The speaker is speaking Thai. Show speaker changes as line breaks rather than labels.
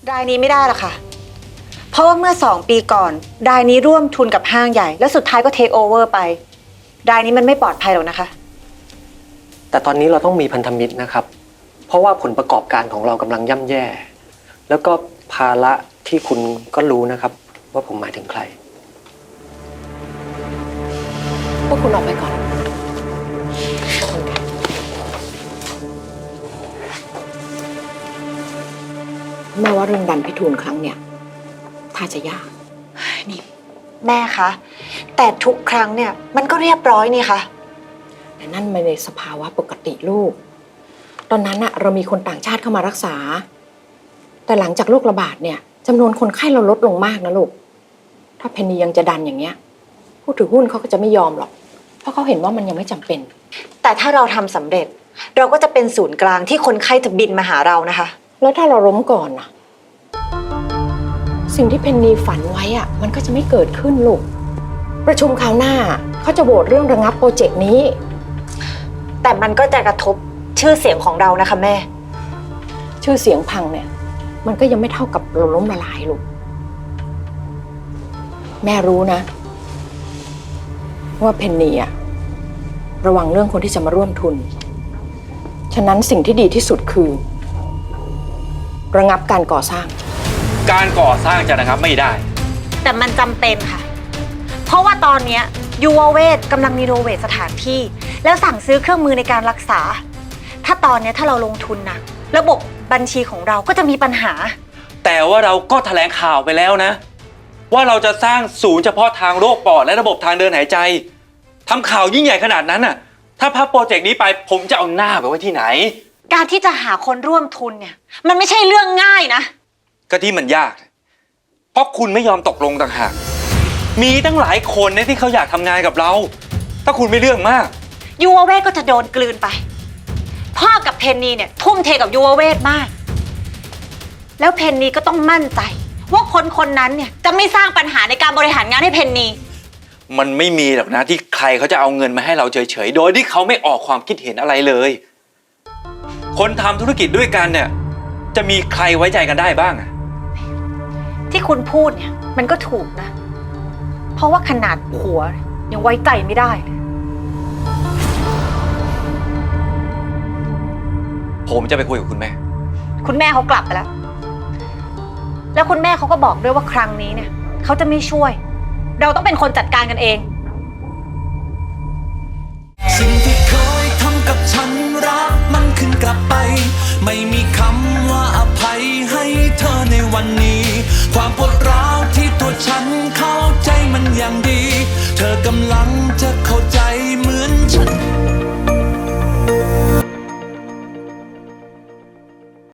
รายนี้ไม่ได้หรอกค่ะเพราะว่าเมื่อ2 ปีก่อนรายนี้ร่วมทุนกับห้างใหญ่แล้วสุดท้ายก็เทคโอเวอร์ไปรายนี้มันไม่ปลอดภัยหรอกนะคะ
แต่ตอนนี้เราต้องมีพันธมิตรนะครับเพราะว่าผลประกอบการของเรากำลังย่ำแย่ แล้วก็ภาระที่คุณก็รู้นะครับว่าผมหมายถึงใคร
พวกคุณออกไปก่อนแม่ว่าเรื่องดันพิทูลครั้งเนี่ยถ้าจะยาก
นี่แม่คะแต่ทุกครั้งเนี่ยมันก็เรียบร้อยนี่คะ
แต่นั่นมันในสภาวะปกติลูกตอนนั้นอะเรามีคนต่างชาติเข้ามารักษาแต่หลังจากโรคระบาดเนี่ยจำนวนคนไข้เราลดลงมากนะลูกถ้าเพนนียังจะดันอย่างเงี้ยผู้ถือหุ้นเขาก็จะไม่ยอมหรอกเพราะเขาเห็นว่ามันยังไม่จำเป็น
แต่ถ้าเราทำสำเร็จเราก็จะเป็นศูนย์กลางที่คนไข้จะบินมาหาเรานะคะ
แล้วถ้าเราล้มก่อนน่ะสิ่งที่เพนนีฝันไว้อะมันก็จะไม่เกิดขึ้นลูกประชุมคราวหน้าเขาจะโหวตเรื่องระงับโปรเจกต์นี้
แต่มันก็จะกระทบชื่อเสียงของเรานะคะแม่
ชื่อเสียงพังเนี่ยมันก็ยังไม่เท่ากับเราล้มละลายลูกแม่รู้นะว่าเพนนีอะระวังเรื่องคนที่จะมาร่วมทุนฉะนั้นสิ่งที่ดีที่สุดคือระงับการก่อสร้าง
การก่อสร้างจะระงับไม่ได้
แต่มันจำเป็นค่ะเพราะว่าตอนนี้ยูวเวทกำลังรีโนเวทสถานที่แล้วสั่งซื้อเครื่องมือในการรักษาถ้าตอนนี้ถ้าเราลงทุนนะระบบบัญชีของเราก็จะมีปัญหา
แต่ว่าเราก็แถลงข่าวไปแล้วนะว่าเราจะสร้างศูนย์เฉพาะทางโรคปอดและระบบทางเดินหายใจทำข่าวยิ่งใหญ่ขนาดนั้นน่ะถ้าพับโปรเจกต์นี้ไปผมจะเอาหน้าไปไว้ที่ไหน
การที่จะหาคนร่วมทุนเนี่ยมันไม่ใช่เรื่องง่ายนะ
ก็ที่มันยากเพราะคุณไม่ยอมตกลงต่างหากมีตั้งหลายคนนะที่เขาอยากทำงานกับเราถ้าคุณไม่เรื่องมาก
ยูวเวทก็จะโดนกลืนไปพ่อกับเพนนีเนี่ยทุ่มเทกับยูวเวทมากแล้วเพนนีก็ต้องมั่นใจว่าคนนั้นเนี่ยจะไม่สร้างปัญหาในการบริหารงานให้เพนนี
มันไม่มีหรอกนะที่ใครเขาจะเอาเงินมาให้เราเฉยๆโดยที่เขาไม่ออกความคิดเห็นอะไรเลยคนทำธุรกิจด้วยกันเนี่ยจะมีใครไว้ใจกันได้บ้างอะ
ที่คุณพูดเนี่ยมันก็ถูกนะเพราะว่าขนาดผัวยังไว้ใจไม่ได้เลย
ผมจะไปคุยกับคุณแม่
เขากลับไปแล้วแล้วคุณแม่เขาก็บอกด้วยว่าครั้งนี้เนี่ยเขาจะไม่ช่วยเราต้องเป็นคนจัดการกันเอง
สิ่งที่เคยทำกับฉันรักมันขึ้นกลับไปไม่มีคำว่าอภัยให้เธอในวันนี้ความปวดร้าวที่ตัวฉันเข้าใจมันอย่างดีเธอกำลังจะเข้าใจเหมือนฉัน